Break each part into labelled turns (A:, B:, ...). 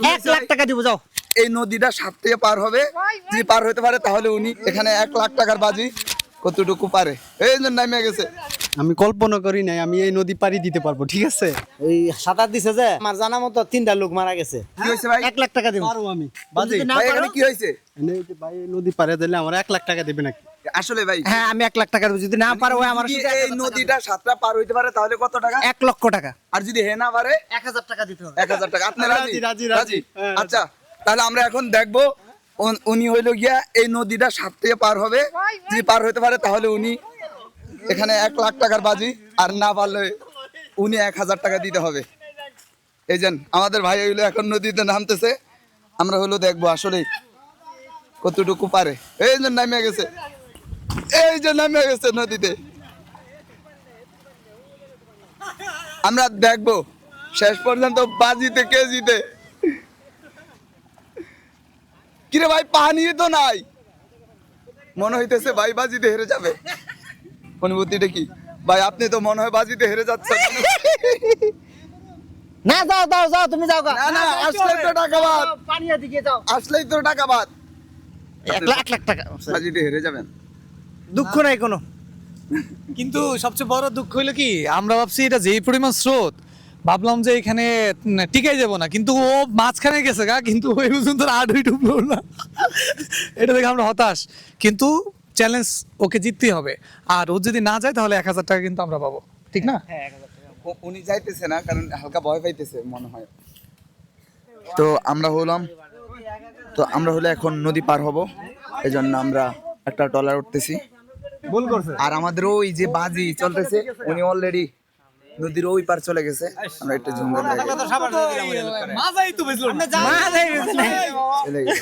A: 1 লাখ টাকা দিব যাও।
B: এই নদীটা সাত থেকে পার হবে, যদি পার হতে পারে তাহলে উনি এখানে 1 লাখ টাকার বাজি কতটুকু পারে এই জন্য নামে গেছে।
C: আমি কল্পনা করি নাই আমি এই নদী পাড়ি দিতে পারবো, ঠিক আছে?
A: ওই সাঁতার দিছে যে আমার জানা মতো 3টা লোক মারা গেছে।
B: কি হয়েছে ভাই?
A: 1 লাখ টাকা দিব।
C: পারবো আমি
A: তুমি
C: বাজি
A: যদি না
B: ভাই
A: পারো,
B: এখানে কি হয়েছে
C: এই যে ভাই এই নদী পাড়ে দিলে আমার 1 লাখ টাকা দেবে নাকি?
B: আসলে ভাই?
A: হ্যাঁ আমি 1 লাখ টাকা দিব, যদি না পারো ওই আমার
B: যদি
A: সাথে
B: এই নদীটা সাতটা পার হইতে পারে তাহলে কত টাকা?
A: 1 লক্ষ টাকা।
B: আর যদি হে না পারে
A: 1000 টাকা দিতে হবে।
B: 1000 টাকা। আপনি রাজি?
C: রাজি। হ্যাঁ,
B: আচ্ছা তাহলে আমরা এখন দেখবো উনি হইলো গিয়া এই নদীটা সাত থেকে পার হবে, যদি পার হইতে পারে তাহলে উনি এখানে 1 লাখ টাকার বাজি, আর না পারলে উনি 1000 টাকা দিতে হবে। এই যে আমাদের ভাই হইলো এখন নদীতে নামতেছে, আমরা হলো দেখবো আসলে কতটুকু পারে। এই যে নামে গেছে, এই যে নামে গেছে নদীতে। আমরা দেখবো শেষ পর্যন্ত বাজিতে কে জিতে। কিরে ভাই পানি তো নাই, মনে হইতেছে ভাই বাজিতে হেরে যাবে। অনুভূতিটা কি ভাই? আপনি তো মনে হয় বাজিতে হেরে যাচ্ছেন।
A: না যাও যাও যাও, তুমি যাও গা।
B: না না, আসলেই তো টাকা বাদ,
A: পানিয়া দিকে যাও।
B: আসলেই তো টাকা বাদ।
A: 1 লাখ টাকা।
B: বাজিতে হেরে যাবেন।
A: দুঃখ নাই কোনো।
D: কিন্তু সবচেয়ে বড় দুঃখ হইলো কি, আমরা ভাবছি এটা যেই পরিমাণ স্রোত, ভাবলাম যে এখানে টিকাই যাব না, কিন্তু ও মাঝখানে গেছে গা, কিন্তু ওই পর্যন্ত আর ডুবলো না। এটা দেখে আমরা হতাশ, কিন্তু চ্যালেঞ্জ ওকে জিততেই হবে। আর ও যদি না যায় তাহলে 1000 টাকা কিন্তু আমরা পাবো, ঠিক না?
B: উনি যাইতেছে না কারণ হালকা ভয় পাইতেছে মনে হয়। তো আমরা হলো এখন নদী পার হব, এই জন্য আমরা একটা ট্রলার উঠতেছি।
C: ভুল করছে।
B: আর আমাদের ওই যে বাজি চলতেছে, উনি অলরেডি নদীর ওই পার চলে গেছে। আমরা একটু ঝুম করে
D: মাজাই তো বুঝলো না।
B: চলে গেছে।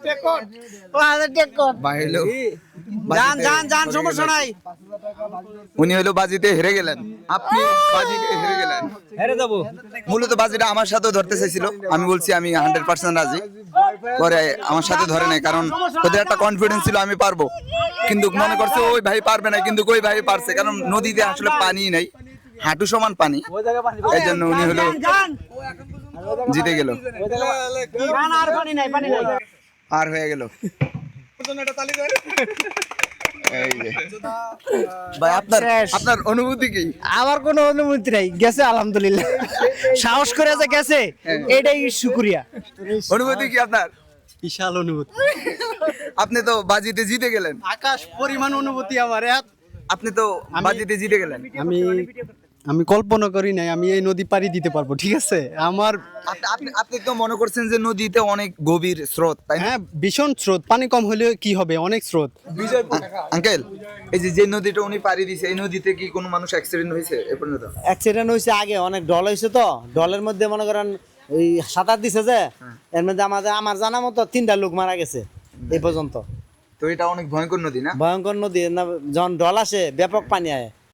B: বাইরে
A: যান যান যান, সমস্যা নাই।
B: উনি হলো বাজিতে হেরে গেলেন, আপনি বাজিতে হেরে গেলেন।
A: হেরে যাবো।
B: মূলত বাজিটা আমার সাথেও ধরতে চাইছিল, আমি বলছি আমি 100% রাজি। পরে আমার সাথে ধরে নাই, কারণ ওদের একটা কনফিডেন্স ছিল আমি পারবো, কিন্তু মনে করছে ওই ভাই পারবে না, কিন্তু ওই ভাই পারছে, কারণ নদীতে আসলে পানি নাই, হাঁটু সমান পানি। এই জন্য উনি হলো জিতে গেল,
A: আর পানি নাই, পানি নাই।
B: আর হয়ে গেল। এই যে। ভাই আপনার অনুভূতি কি?
A: আমার কোনো অনুমতি নাই, গেছে আলহামদুলিল্লাহ। সাহস করে যে গেছে এটাই শুকরিয়া।
B: অনুভূতি কি আপনার?
C: বিশাল অনুভূতি,
B: আপনি তো বাজিতে জিতে গেলেন।
C: আকাশ পরিমাণ অনুভূতি আমার।
B: আপনি তো বাজিতে জিতে গেলেন।
C: আমি কল্পনা করি নাই আমি এই নদী পাড়ি দিতে পারবো, ঠিক আছে? আমার
B: আপনি তো মনে করছেন যে নদীতে অনেক গভীর স্রোত, তাই না?
C: হ্যাঁ, ভীষণ স্রোত, পানি কম হলে কি হবে, অনেক স্রোত।
B: আঙ্কেল, এই যে নদীটা উনি পাড়ি দিছে, এই নদীতে কি কোনো মানুষ অ্যাক্সিডেন্ট হয়েছে এ পর্যন্ত?
A: অ্যাক্সিডেন্ট হয়েছে আগে, অনেক ঢল হয়েছে, তো ঢলের মধ্যে মনে করেন ওই সাঁতার দিছে যে, এর মধ্যে আমার জানা মতো 3টা লোক মারা গেছে এই পর্যন্ত।
B: তো এটা অনেক ভয়ঙ্কর নদী না?
A: ভয়ঙ্কর নদী না, যখন ঢল আসে ব্যাপক পানি আয়।